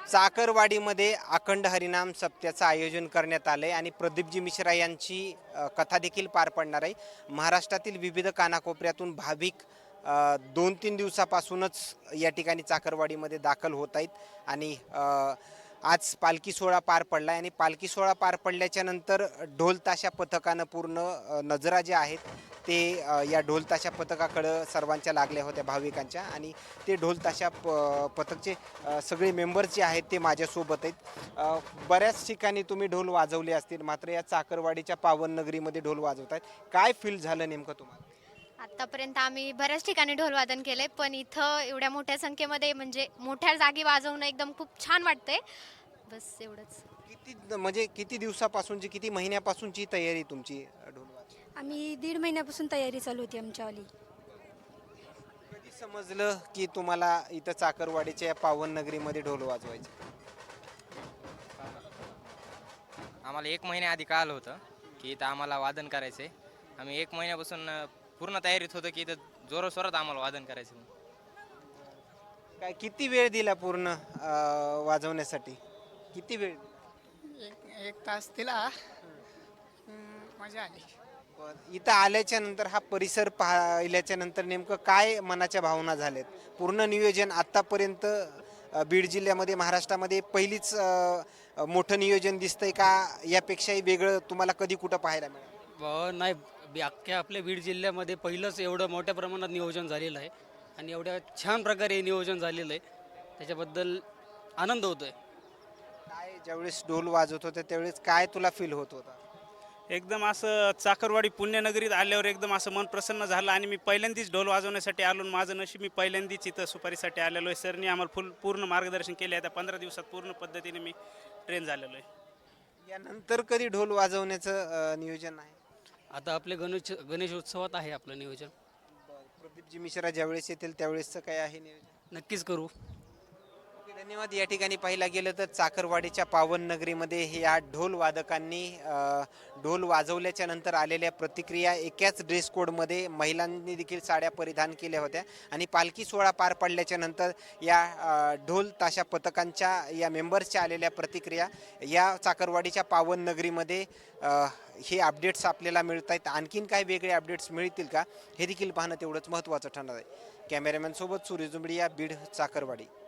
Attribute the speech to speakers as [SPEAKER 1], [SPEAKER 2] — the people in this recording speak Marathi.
[SPEAKER 1] चाकरवाडीमध्ये अखंड हरिनाम सप्त्याचं आयोजन करण्यात आलं आहे आणि प्रदीपजी मिश्रा यांची कथा देखील पार पडणार आहे. महाराष्ट्रातील विविध कानाकोपऱ्यातून भाविक 2-3 दिवसापासूनच या ठिकाणी चाकरवाडीमध्ये दाखल होत आहेत आणि आज पालखी सोहळा पार पडला आहे आणि पालखी सोहळा पार पडल्याच्या नंतर ढोल ताशा पथकानं पूर्ण नजरा ज्या आहेत ते या ढोल ताशा पथकाकडं सर्वांच्या लागल्या होत्या भाविकांच्या आणि ते ढोल ताशा पथकचे सगळे मेंबर्स जे आहेत ते माझ्यासोबत आहेत. बऱ्याच ठिकाणी तुम्ही ढोल वाजवले असतील, मात्र या चाकरवाडीच्या पावन नगरीमध्ये ढोल वाजवत आहेत. काय फील झालं नेमकं तुम्हाला?
[SPEAKER 2] आत्तापर्यंत आम्ही बऱ्याच ठिकाणी ढोल वादन केले, पण इथं एवढ्या मोठ्या संख्येमध्ये म्हणजे मोठ्या जागी वाजवणं एकदम खूप छान वाटतंय. बस एवढंच.
[SPEAKER 1] म्हणजे किती दिवसापासूनची, किती महिन्यापासूनची तयारी तुमची ढोल वाजवायची?
[SPEAKER 3] आम्ही 1.5 महिन्यापासून तयारी चालू होती आमच्यावाली.
[SPEAKER 1] कधी समजलं की तुम्हाला इथं चाकरवाडीच्या या पावन नगरीमध्ये ढोल वाजवायचे?
[SPEAKER 4] आम्हाला 1 महिन्याआधी कळालं होतं की इथं आम्हाला वादन करायचं आहे. आम्ही 1 महिन्यापासून पूर्ण तयारीत होतो की इथं जोराशोरात आम्हाला वादन करायचं आहे.
[SPEAKER 1] काय किती वेळ दिला पूर्ण वाजवण्यासाठी? किती वेळ?
[SPEAKER 5] एक तास दिला. मजा आली.
[SPEAKER 1] इथं आल्याच्या नंतर हा परिसर पाहिल्याच्या नंतर नेमकं काय मनाच्या भावना झाल्यात? पूर्ण नियोजन आतापर्यंत बीड जिल्ह्यामध्ये, महाराष्ट्रामध्ये पहिलीच मोठं नियोजन दिसतंय का? यापेक्षाही वेगळं तुम्हाला कधी कुठं पाहायला मिळालं?
[SPEAKER 6] नाही, अख्ख्या आपल्या बीड जिल्ह्यामध्ये पहिलंच एवढं मोठ्या प्रमाणात नियोजन झालेलं आहे आणि एवढ्या छान प्रकारे नियोजन झालेलं आहे, त्याच्याबद्दल आनंद होतो आहे.
[SPEAKER 1] काय ज्यावेळेस ढोल वाजवत होते त्यावेळेस काय तुला फील होत होता?
[SPEAKER 7] एकदम असं चाकरवाडी पुण्यनगरीत आल्यावर एकदम असं मन प्रसन्न झालं आणि मी पहिल्यांदाच ढोल वाजवण्यासाठी आलो. माझं नशीब, मी पहिल्यांदाच इथं सुपारीसाठी आलेलो आहे. सरनी आम्हाला पूर्ण मार्गदर्शन केले. आता 15 दिवसात पूर्ण पद्धतीने मी ट्रेन झालेलो आहे.
[SPEAKER 1] यानंतर कधी ढोल वाजवण्याचं नियोजन आहे?
[SPEAKER 6] आता आपले गणेश उत्सवात आहे आपलं नियोजन.
[SPEAKER 1] प्रदीपजी मिश्रा ज्यावेळेस येतील त्यावेळेसचं काय आहे नियोजन?
[SPEAKER 6] नक्कीच करू.
[SPEAKER 1] धन्यवाद. या ठिकाणी पाहायला गेलं तर चाकरवाडीच्या पावन नगरीमध्ये या ढोल वादकांनी ढोल वाजवल्याच्या नंतर आलेल्या प्रतिक्रिया, एकाच ड्रेस कोडमध्ये महिलांनी देखील साड्या परिधान केल्या होत्या आणि पालखी सोहळा पार पडल्याच्या नंतर या ढोल ताशा पथकांच्या या मेंबर्सच्या आलेल्या प्रतिक्रिया, या चाकरवाडीच्या पावन नगरीमध्ये हे अपडेट्स आपल्याला मिळत आहेत. आणखीन काय वेगळे अपडेट्स मिळतील का हे देखील पाहणं तेवढंच महत्त्वाचं ठरणार आहे. कॅमेरामॅनसोबत सूर्य जुंबडी, या बीड चाकरवाडी.